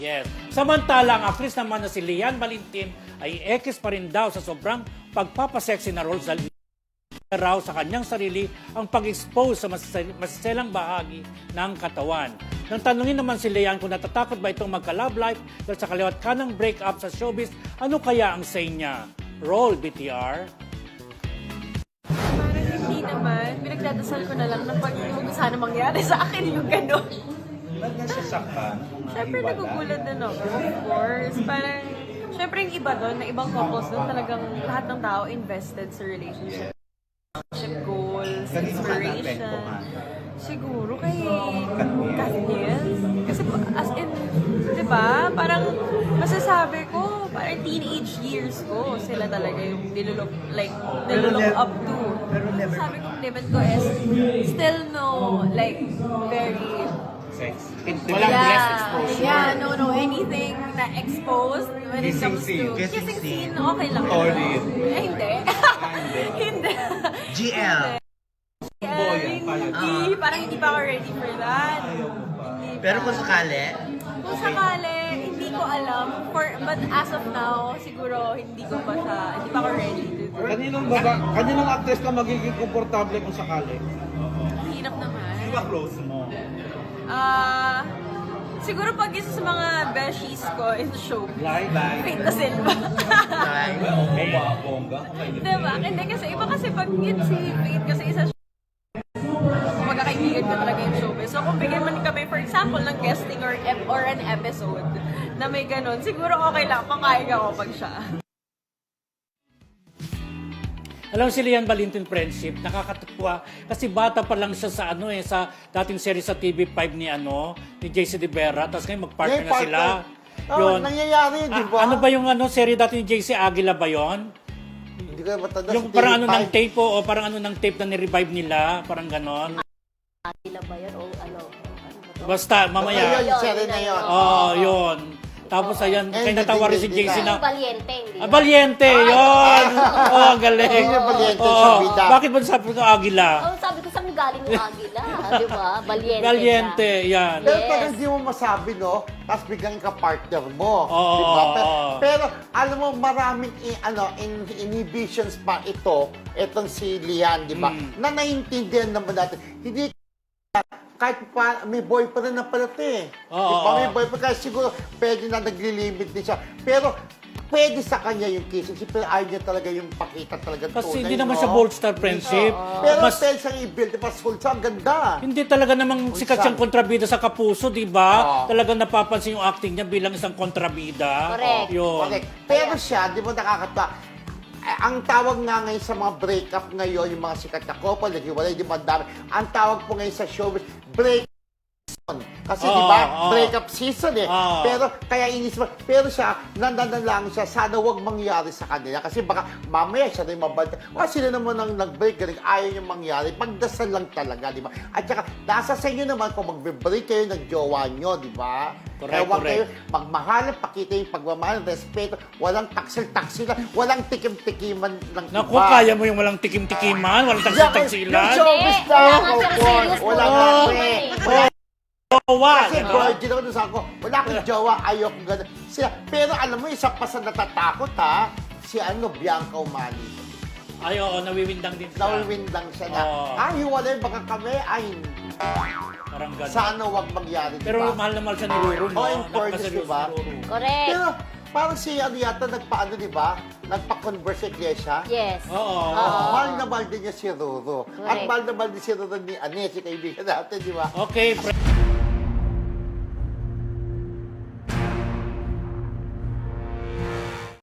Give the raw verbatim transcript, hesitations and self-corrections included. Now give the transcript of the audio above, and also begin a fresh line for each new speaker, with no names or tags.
Yes. Samantala, ang actress naman na si Lian Valentin ay ekis pa rin daw sa sobrang pagpapasexy na roles dahil raw sa kanyang sarili ang pag-expose sa masiselang bahagi ng katawan. Nang tanungin naman si Lian kung natatakot ba itong magka-love life dahil sa kaliwat kanang break-up sa showbiz, ano kaya ang say niya? Roll, B T R.
Parang hindi naman. Pinagdadasal ko na lang na pag huwag sana mangyari sa akin yung gano'n.
Ba't nga sasaktan?
Siyempre nagugulat din ako, of course. Parang, siyempre yung iba doon, na ibang couples doon, talagang lahat ng tao invested sa relationship. Relationship goals,
Kanino ka
inspiration.
naapektuhan?
Siguro kay Katniss. Kasi as in, di ba, parang masasabi ko, parang teenage years ko, sila talaga yung nilulok, like, nilulok
never-
up to.
pero never-
Sabi kong limit ko is still no, like, very
Sex.
Walang
yeah,
breast exposure.
Yeah, no, no, anything na exposed when it
Kissing
comes
scene,
to
kissing
kissing
scene.
scene, okay lang.
Solid.
Eh, hindi.
hindi.
Hindi.
G L.
Yeah,
Boyan,
hindi. Parang hindi pa ako ready for that.
Ayaw mo ba?
Hindi
Pero
pa.
kung sakali,
Kung sakali, hindi ko alam. For, but as of now, siguro hindi ko pa siya, hindi pa ako ready to do.
Kaninong baba, kaninong actress ka magiging komportable kung sakali?
Hirap naman.
Sino ba close mo?
Ah, siguro pag isa sa mga beshies ko in the show,
Like, like.
Faith na Silva.
ay,
Okay. Bongga. Okay.
Diba? Hindi kasi iba kasi pag yun si Faith kasi isa siya magkakaibigan ko talaga yung showbiz. So kung bigyan man kami for example ng guesting or ep or an episode na may ganun, siguro okay lang, makayag ako pag siya.
Alam mo si Lian Valentin friendship, nakakatuwa kasi bata pa lang siya sa ano eh sa dating series sa T V five ni ano ni J C De Vera, tapos ngayon mag-partner na sila.
Oh, nangyayari yun, di ba?
Ah, ano ba yung ano serie dati ni J C Aguila ba yon?
Hindi ko matanda
Yung
sa
parang ano
T V
ng
five.
tape po, o parang ano ng tape na ni-revive nila, parang ganon.
Sila ba yan o ano? Ano ba to?
Basta mamaya.
Ayun, yung serie na yun.
Oh, yun. Tapos ayan,
And
kaya natawa rin si
hindi
J C
na.
na
Yung Valiente, hindi
Ah,
ba?
Valiente, yun! Oh, ang galing.
Hindi na Valiente
Oo.
sa bida.
Bakit ba sabi ko Agila?
Oh, sabi ko saan galing yung Agila, di ba? Valiente.
Valiente,
siya.
yan.
Pero
Yes.
talagang hindi mo masabi, no? Tapos biglang ka-partner mo.
Oo,
di ba? Pero,
oo.
pero alam mo, maraming i- ano, in, inhibitions pa ito, itong si Lian, di ba?
Mm.
Na naiintindihan naman natin. Hindi kahit pa, may boyfriend na pala ito eh.
Oo,
Di ba? May
oo.
boyfriend, kaya siguro pwede na naglilimit din siya. Pero, pwede sa kanya yung kissing. Pero ayaw niya talaga yung pakita talaga
Kasi
tunay,
hindi naman
no?
siya bold star friendship.
Pero
Mas,
pwede siyang i-build. Diba, Sulsa, ang ganda.
hindi talaga namang sikat siyang kontrabida sa Kapuso, di ba?
Oo.
Talagang napapansin yung acting niya bilang isang kontrabida.
Correct.
Yun.
Correct. Pero siya, di ba nakakatawa? Eh, ang tawag nga ngayon sa mga breakup ngayon, yung mga sikat na couple, naghiwalay, di ba, ang dami. Ang tawag po ngayon sa showbiz, break season. Kasi
Oo,
di ba,
oo.
breakup season eh.
Oo.
Pero kaya inis mo, pero siya, nananalangin siya, sana wag mangyari sa kanila. Kasi baka mamaya siya rin mabanta. O sila naman ang nag-break, galing, ayaw yung mangyari. Pagdasal lang talaga, di ba? At saka, nasa sa inyo naman kung mag-break kayo ng jowa nyo, di ba?
Correct,
Kaya wag
correct.
kayo magmahalan, pakita yung pagmamahal, respeto, walang taksil-taksilan, walang tikim-tikiman ng iba.
Naku, kaya mo yung walang tikim-tikiman, walang
Yung
tagsil-tagsilan.
showbiz
Hindi,
lang,
wala nga
of
siyang
course.
serious
Wala
po.
nga
Oo.
eh.
Jowa,
Kasi
di ba?
virgin ako doon sa ako, wala akong jowa, ayoko gano'n. Siya, pero alam mo, isa pa sa natatakot ha, si ano, Bianca Umali.
Ay, oo, nawiwindang din siya.
Nawiwindang siya na,
Oo.
ay, hiwalay baka kami, ay,
Parang gano'n.
sana wag mangyari, di
Pero
ba?
mahal na mahal siya ni Ruru, no?
Oh, in fairness,
Napakaseryoso
di ba?
ni Ruru.
Correct.
Pero parang si ano yata, nagpaano, di ba? Nagpa-converse sa iglesia.
Yes.
Oo.
Oh, mahal na mahal din niya si Ruru. At
Correct.
mahal na mahal din si Ruru ni Ane, si kaibigan natin, di ba?
Okay, pre-